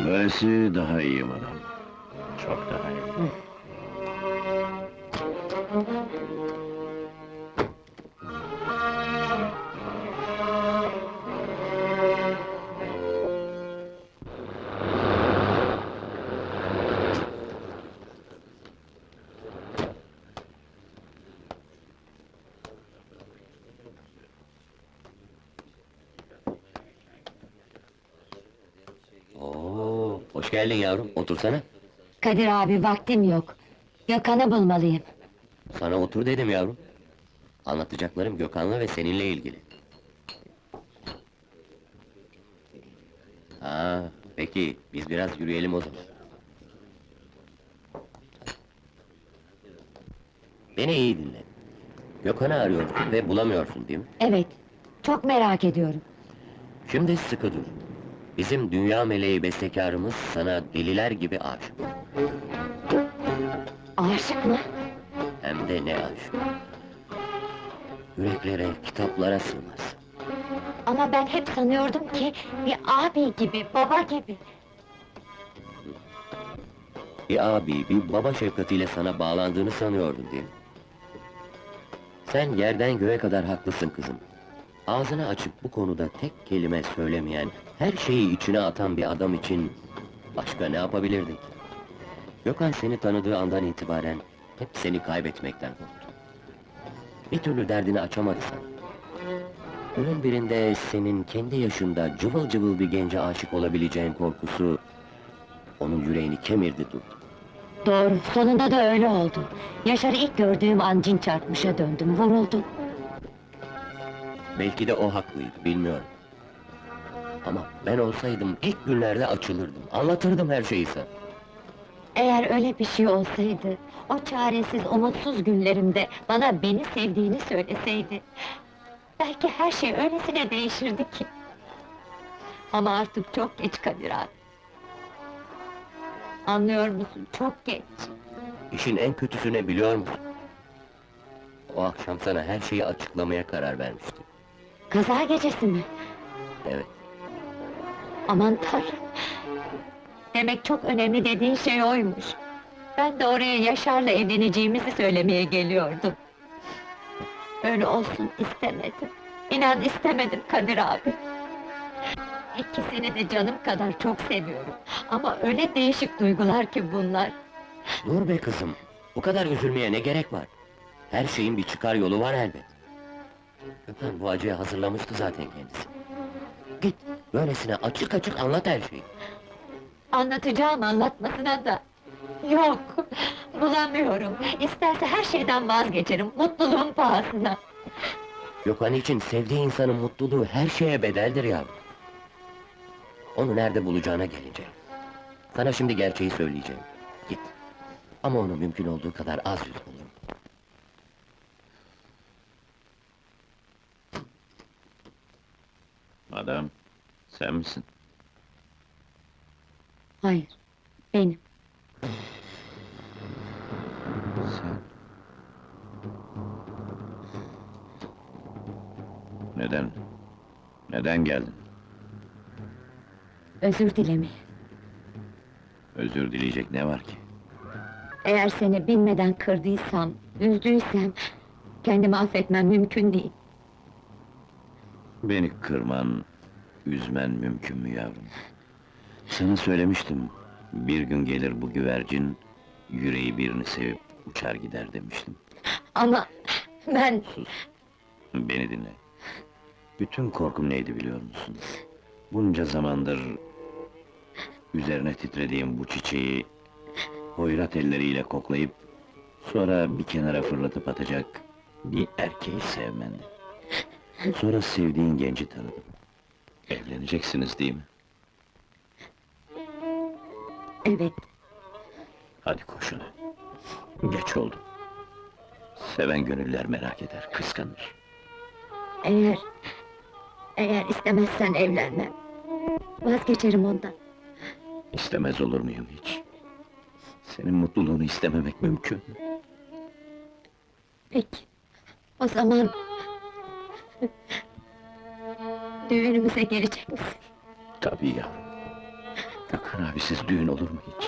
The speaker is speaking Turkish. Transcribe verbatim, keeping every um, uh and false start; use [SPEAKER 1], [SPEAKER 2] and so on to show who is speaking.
[SPEAKER 1] Böylesi daha iyi madam. Çok daha iyi.
[SPEAKER 2] Oo, hoş geldin yavrum, otursana.
[SPEAKER 3] Kadir abi, vaktim yok. Gökhan'ı bulmalıyım.
[SPEAKER 2] Sana otur dedim yavrum. Anlatacaklarım Gökhan'la ve seninle ilgili. Ha, peki, biz biraz yürüyelim o zaman. Beni iyi dinle. Gökhan'ı arıyorsun ve bulamıyorsun değil mi?
[SPEAKER 3] Evet, çok merak ediyorum.
[SPEAKER 2] Şimdi sıkı dur. Bizim dünya meleği bestekarımız sana deliler gibi aşık.
[SPEAKER 3] Aşık mı?
[SPEAKER 2] Hem de ne aşık. Yüreklere, kitaplara sığmaz.
[SPEAKER 3] Ama ben hep sanıyordum ki... ...bir abi gibi, baba gibi.
[SPEAKER 2] Bir abi, bir baba şefkatiyle sana bağlandığını sanıyordun değil mi? Sen yerden göğe kadar haklısın kızım. Ağzını açıp bu konuda tek kelime söylemeyen, her şeyi içine atan bir adam için... ...başka ne yapabilirdin? Gökhan seni tanıdığı andan itibaren... ...hep seni kaybetmekten korktu. Bir türlü derdini açamadı sana. Günün birinde senin kendi yaşında cıvıl cıvıl bir gence aşık olabileceğin korkusu... ...onun yüreğini kemirdi durdu.
[SPEAKER 3] Doğru, sonunda da öyle oldu. Yaşar'ı ilk gördüğüm an cin çarpmışa döndüm, vuruldum.
[SPEAKER 2] Belki de o haklıydı, bilmiyorum. Ama ben olsaydım ilk günlerde açılırdım, anlatırdım her şeyi sana.
[SPEAKER 3] Eğer öyle bir şey olsaydı... ...o çaresiz, umutsuz günlerimde... ...bana beni sevdiğini söyleseydi... ...belki her şey öylesine değişirdi ki... Ama artık çok geç Kadir abi. Anlıyor musun? Çok geç.
[SPEAKER 2] İşin en kötüsü ne biliyor musun? O akşam sana her şeyi açıklamaya karar vermiştim.
[SPEAKER 3] Kaza gecesi mi?
[SPEAKER 2] Evet,
[SPEAKER 3] Aman Tanrım! Demek çok önemli dediğin şey oymuş. Ben de oraya Yaşar'la evleneceğimizi söylemeye geliyordum. Öyle olsun istemedim. İnan istemedim Kadir abi. İkisini de canım kadar çok seviyorum. Ama öyle değişik duygular ki bunlar.
[SPEAKER 2] dur be kızım, bu kadar üzülmeye ne gerek var? Her şeyin bir çıkar yolu var elbet. Gökhan bu acıya hazırlamıştı zaten kendisi. Git, böylesine açık açık anlat her şeyi.
[SPEAKER 3] Anlatacağım anlatmasına da... Yok, bulamıyorum. İsterse her şeyden vazgeçerim, mutluluğun pahasına.
[SPEAKER 2] Gökhan için sevdiği insanın mutluluğu her şeye bedeldir yavrum. Onu nerede bulacağına gelince... Sana şimdi gerçeği söyleyeceğim. Git. Ama onu mümkün olduğu kadar az yüz bulun.
[SPEAKER 1] Madam, sen misin?
[SPEAKER 3] Hayır, benim.
[SPEAKER 1] Sen... Neden? Neden geldin?
[SPEAKER 3] Özür dilemeye.
[SPEAKER 1] Özür dileyecek ne var ki?
[SPEAKER 3] Eğer seni bilmeden kırdıysam, üzdüysem... ...kendimi affetmem mümkün değil.
[SPEAKER 1] Beni kırman, üzmen mümkün mü yavrum? Sana söylemiştim, bir gün gelir bu güvercin... ...yüreği birini sevip uçar gider demiştim.
[SPEAKER 3] Ama ben...
[SPEAKER 1] Sus, beni dinle. Bütün korkum neydi biliyor musun? Bunca zamandır... ...üzerine titrediğim bu çiçeği... ...hoyrat elleriyle koklayıp... ...sonra bir kenara fırlatıp atacak... ...bir erkeği sevmendi. Sonra sevdiğin genci tanıdım. Evleneceksiniz değil mi?
[SPEAKER 3] Evet,
[SPEAKER 1] Hadi koşun. Geç oldu. Seven gönüller merak eder, kıskanır.
[SPEAKER 3] eğer... ...eğer istemezsen evlenmem. Vazgeçerim ondan.
[SPEAKER 1] İstemez olur muyum hiç? Senin mutluluğunu istememek mümkün mü?
[SPEAKER 3] Peki, o zaman... ...düğünümüze gelecek misin?
[SPEAKER 1] Tabii ya. Gökhan abi, siz düğün olur mu hiç?